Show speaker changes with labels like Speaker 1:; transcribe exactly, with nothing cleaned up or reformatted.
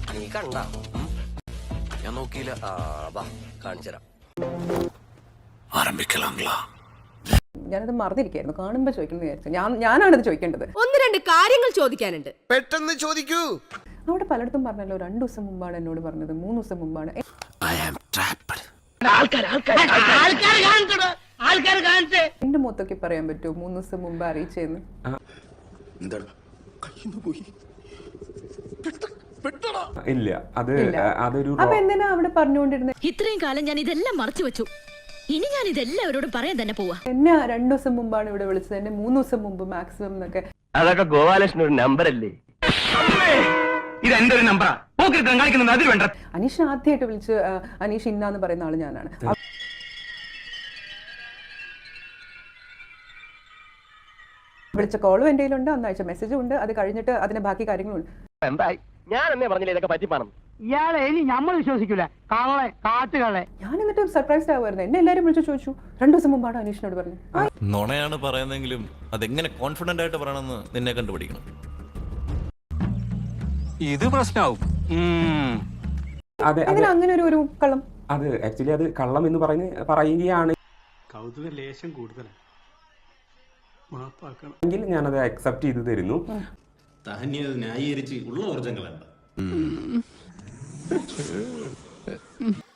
Speaker 1: നീ കണ്ട ഞാൻ നോക്കിയില്ല. ആ വാ കാണിച്ചുതരാം. ആരംഭിക്കലാംഗ്ലാ.
Speaker 2: ഞാനത് മറന്നിരിക്കായിരുന്നു. കാണുമ്പോ ചോദിക്കണം വിചാരിച്ചു. ഞാൻ ഞാനാണത് ചോദിക്കേണ്ടത്.
Speaker 3: ഒന്ന് രണ്ട് കാര്യങ്ങൾ ചോദിക്കാനുണ്ട്.
Speaker 1: പെട്ടെന്ന് ചോദിക്കൂ.
Speaker 2: അവിടെ പലയിടത്തും പറഞ്ഞല്ലോ, രണ്ടു ദിവസം മുമ്പാണ് എന്നോട് പറഞ്ഞത്, മൂന്ന് ദിവസം മുമ്പാണ്. എന്റെ മുഖത്തൊക്കെ പറയാൻ പറ്റുമോ മൂന്ന് ദിവസം മുമ്പ് അറിയിച്ചെന്ന്?
Speaker 4: ഇല്ല, അത് അതൊരു.
Speaker 2: അപ്പൊ എന്തിനാ അവിടെ പറഞ്ഞുകൊണ്ടിരുന്നത്?
Speaker 5: ഇത്രയും കാലം ഞാൻ ഇതെല്ലാം മറച്ചു വെച്ചു. ഇനി ഞാൻ ഇതെല്ലാവരോടും പറയാൻ തന്നെ പോവാ.
Speaker 2: എന്നെ രണ്ടു ദിവസം മുമ്പാണ് ഇവിടെ വിളിച്ചത്, എന്നെ മൂന്ന് ദിവസം മുമ്പ് മാക്സിമം എന്നൊക്കെ.
Speaker 6: അതൊക്കെ ഗോപാലകൃഷ്ണൻ ഒരു നമ്പർ അല്ലേ? ഇത് എന്റെ ഒരു നമ്പറാ.
Speaker 2: അനീഷ് ആദ്യമായിട്ട് വിളിച്ച് അനീഷ് ഇന്നാന്ന് പറയുന്ന ആള് ഞാനാണ്. വിളിച്ച കോളും എന്റെ കയ്യിലുണ്ട്, അന്ന് അയച്ച മെസ്സേജും ഉണ്ട്. അത് കഴിഞ്ഞിട്ട് അതിന്റെ ബാക്കി കാര്യങ്ങളുണ്ട്.
Speaker 6: എന്തായി ഞാൻ എന്നേ പറഞ്ഞില്ല ഇതൊക്കെ പറ്റിപ്പാണം.
Speaker 7: ഇയാളെ ഇനി നമ്മൾ വിശ്വസിക്കൂല. കാളെ കാട്ടുകളെ.
Speaker 2: ഞാൻ എന്നിട്ട് സർപ്രൈസ്ഡ് ആവുമായിരുന്നു. എന്നെ എല്ലാവരും വിളിച്ചു ചോദിച്ചു, രണ്ടു ദിവസം മുമ്പാണ് അനീഷിനോട് പറഞ്ഞു.
Speaker 8: നുണയാണ് പറയുന്നെങ്കിലും അതെങ്ങനെ കോൺഫിഡന്റ് ആയിട്ട് പറയണമെന്ന് നിന്നെ കണ്ടുപിടിക്കണം.
Speaker 1: ഇത് പ്രശ്നമാവും.
Speaker 2: അങ്ങനെ ഒരു ഒരു കള്ളം.
Speaker 4: അത് ആക്ച്വലി അത് കള്ളം എന്ന് പറഞ്ഞ് പറയുകയാണ്.
Speaker 9: കൗതുക ലേശം കൂടുതലാണ്.
Speaker 4: എങ്കിൽ ഞാനത് അക്സെപ്റ്റ് ചെയ്ത് തരുന്നു.
Speaker 10: ന്യായീകരിച്ച് ഉള്ള ഊർജ്ജം കളയണ്ട.